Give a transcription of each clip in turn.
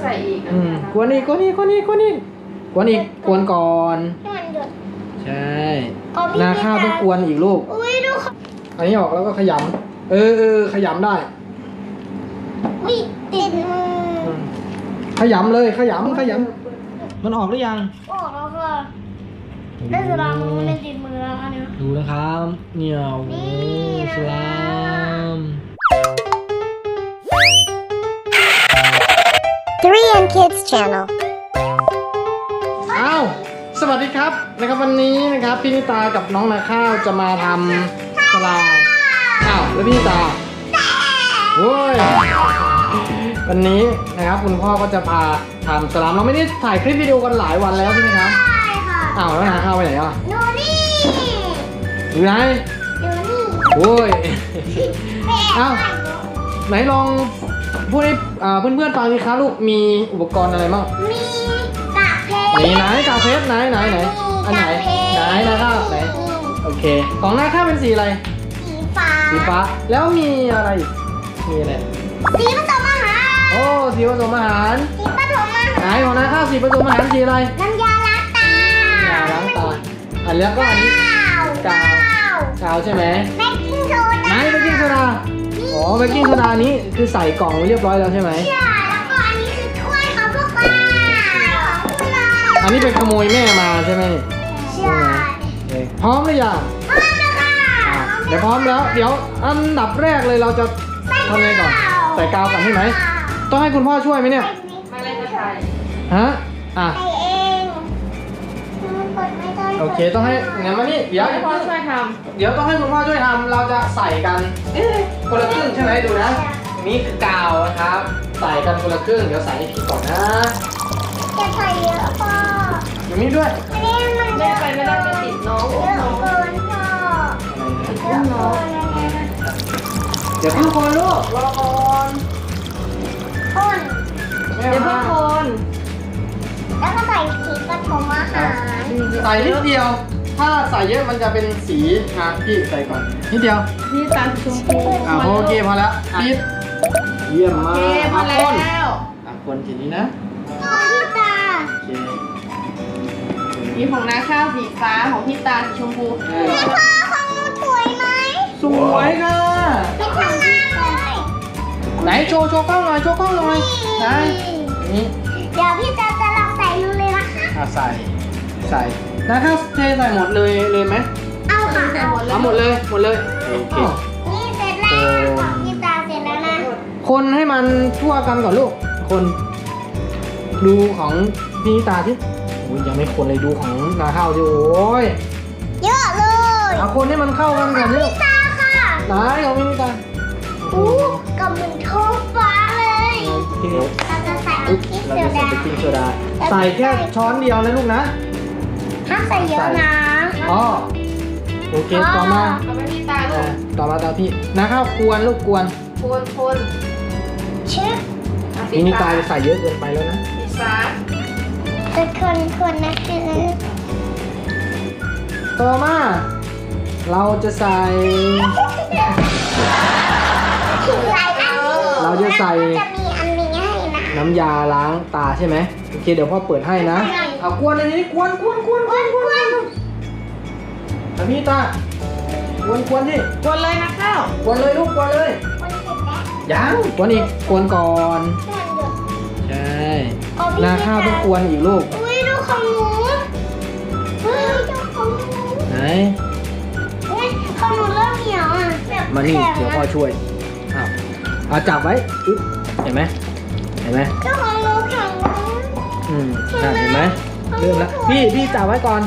ใส่อีกกวนอีกกวนอีกกวนอีกกวนอีกกวนอีกกวนก่อนใช่นาข้าวต้องกวนอีกลูกอันนี้ออกแล้วก็ขยำขยำได้วิติดมือขยำเลยขยำมันออกหรือยังออกแล้วค่ะได้สลามมันไม่ติดมือแล้วค่ะเนี่ยดูนะครับเนี่ยโอ้โหสลาม 3M Kids Channel อ้าวสวัสดีครับนะครับวันนี้นะครับพี่นิตากับน้องนาข้าวจะมาทำสลามอ้าวแล้วพี่นิตาโว้ยวันนี้นะครับคุณพ่อก็จะพาทำสลามเราไม่ได้ถ่ายคลิปวิดีโอกันหลายวันแล้วใช่ไหมครับใช่ค่ะอ้าวแล้วนาข้าวไปไหนอ่ะดูนี่อยู่ไหนดูนี่โว้ยแม่อ้าวไหนลองพูดให้เพื่อนๆฟังสิคะลูกมีอุปกรณ์อะไรบ้างมีกากเพชรไหนกาเฟสไหนอันไหนนะครับไหนโอเคของนาข้าวเป็นสีอะไรสีฟ้าสีฟ้าแล้วมีอะไรอีกมีอะไรสีผสมอาหารโอ้สีผสมอาหารสีผสมอาไหนหารของนาข้าวสีผสมอาหารสีอะไรน้ำยาล้างตาล้างตาอันแล้วก็อันนี้กาวใช่ไหมเบกกิ้งโซไหนดาเบกกิ้งโซดาอ๋อเบกกิ้งโซดานี้คือใส่กล่องไว้เรียบร้อยแล้วใช่ไหมใช่แล้วก็อันนี้คือถ้วยของพวกเราของพวกเราอันนี้เป็นขโมยแม่มาใช่ไหมใช่โอเคพร้อมหรือยังพร้อมแล้วค่ะเดี๋ยวพร้อมแล้วเดี๋ยวอันดับแรกเลยเราจะทำไงก่อนใส่กาวก่อนใช่ไหมต้องให้คุณพ่อช่วยไหมเนี่ยไม่เล่นจะใส่ฮะอ่ะใส่เองมันกดไม่ได้โอเคต้องให้งั้นมานี่เดี๋ยวให้พ่อช่วยทเดี๋ยวต้องให้คุณพ่อช่วยทำเราจะใส่กันคนละครึ่งใช่ไหมดูนะนี่คือกาวนะครับใส่กันคนละครึ่งเดี๋ยวใส่ให้พี่ก่อนนะจะใส่เยอะพ่ออยู่นี่ด้วยอันนี้มันำเยแม่อะไปไม่ได้จะติดน้องเยอุ้มอะน้องเกินพ่อเยอะเกินเดี๋ยวพี่คนลูกรอก่อนพ่นแม่เดี๋ยวเพิ่มางคนแล้วก็ใส่สีผสมอาหารใส่นิดเดียว ถ้าใส่เยอะมันจะเป็นสีอ่ะพี่ใส่ก่อนนิดเดียวพี่ตาสีชมพูโอเคพอแล้วปิดเยี่ยมโอมากเคพอแล้คนวคนทีนี้นะพ่อพี่ตาโอเคมีของน้าข้าวสีฟ้าของพี่ตาสีชมพูพ่อของหนูสวยไหมสวยค่ะไม่ทำงานเลยไหนโชว์กล้องหน่อยโชว์กล้องหน่อยไหนนี่เดี๋ยวพี่จะลองใส่ดูเลยนะคะใส่นะครับเทใส่หมดเลยไหมเอาค่ะเอาหมดเลยโอเคนี่เสร็จแล้วของพี่ตาเสร็จแล้วนะคนให้มันทั่วกันก่อนลูกคนดูของพี่นิตาที่โอ้ยยังไม่คนเลยดูของนาข้าวสิโอ้ยเยอะเลยเอาคนให้มันเข้ากันก่อนลูกตาค่ะไหนของพี่นิตาอู้กับเหมือนท้องฟ้าเลยทีนี้เราจะใส่อุ๊บพริกเราโซจะใส่ดาเบกกิ้งโซดาใส่แค่ช้อนเดียวนะลูกนะห้ามใส่เยอะนะอ๋อโอเคต่อมาเอาไปพี่ตาลูกต่อมาตามพี่นาข้าวกวนลูกกวนคนเชื่อพี่นิตาใส่เยอะเกินไปแล้วนะสีฟ้าเป็นคนนะคือต่อมาเราจะใส่ เราจะใส่จะมีอันนี้ให้นะน้ำยาล้างตาใช่ไหมโอเคเดี๋ยวพ่อเปิดให้นะเอากวนอันนี้กวนแล้วพี่ตากวนที่กดเลยนะข้าวกวนเลยลูกกวนเลยคนเสร็จแล้วยังกวนอีกกวนก่อนใช่นาข้าวต้องกวนอีกลูกอุ้ยดูของหนูเฮ้ยดูของหนูไหนอุ้ยของหนูเริ่มเหนียวอ่ะแบบมานี่แข็งเดี๋ยวพ่อช่วยเอาจับไว้อึ๊บเห็นไหมเจ้าของหนูแข็งนะเห็นไหมเริ่มแล้วพี่จับไว้ก่อน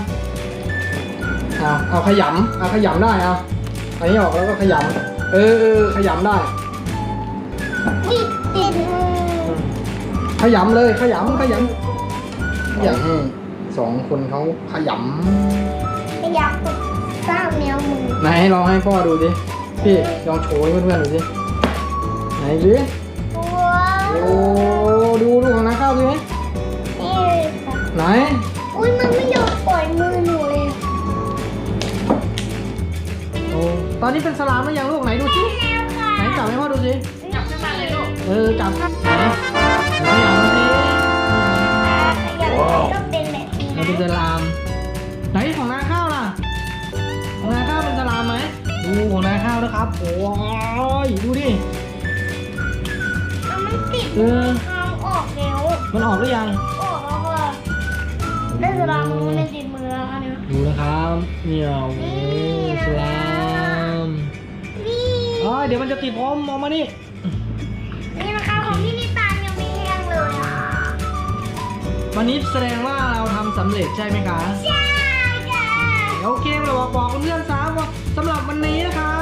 เอาขยำได้เอาอันนี้ออกแล้วก็ขยำขยำได้นี่ติดมือขยำเลยขยำให้สองคนเขาขยไม่อยากติดสร้างแนวมือำไหนลองให้พ่อดูดิพี่ลองโชว์ให้เพื่อนๆดูสิไหนดิว้าโอ้วดูของน้าข้าวสิไหมนี่ค่ะไหนอุ้ยมันไม่ยอมปล่อยมือหนูเลยโอ้ตอนนี้เป็นสลามหรือยังลูกไหนดูสิแล้วค่ะไหนจับให้พ่อดูสิจับขึ้นมาเลยลูกจับไหนขยำสิเป็นสลามไหนของนาข้าวล่ะของนาข้าวเป็นสลามไหมดูของนาข้าวนะครับโอ้ยดูดิมันติดเออทางออกแล้วมันออกหรือยังออกแล้วค่ะได้สลามมันไม่ติดมือแล้วค่ะเนี่ยดูนะครับเนี่ยโอ้โหสลามนี่เดี๋ยวมันจะติดผมออกมานี่นี่นะคะของพี่นิตายังไม่แห้งเลยอ่ะวันนี้แสดงว่าเราทำสำเร็จใช่ไหมคะใช่ค่ะโอเคเราบอกเพื่อนๆซะว่าสำหรับวันนี้นะคะ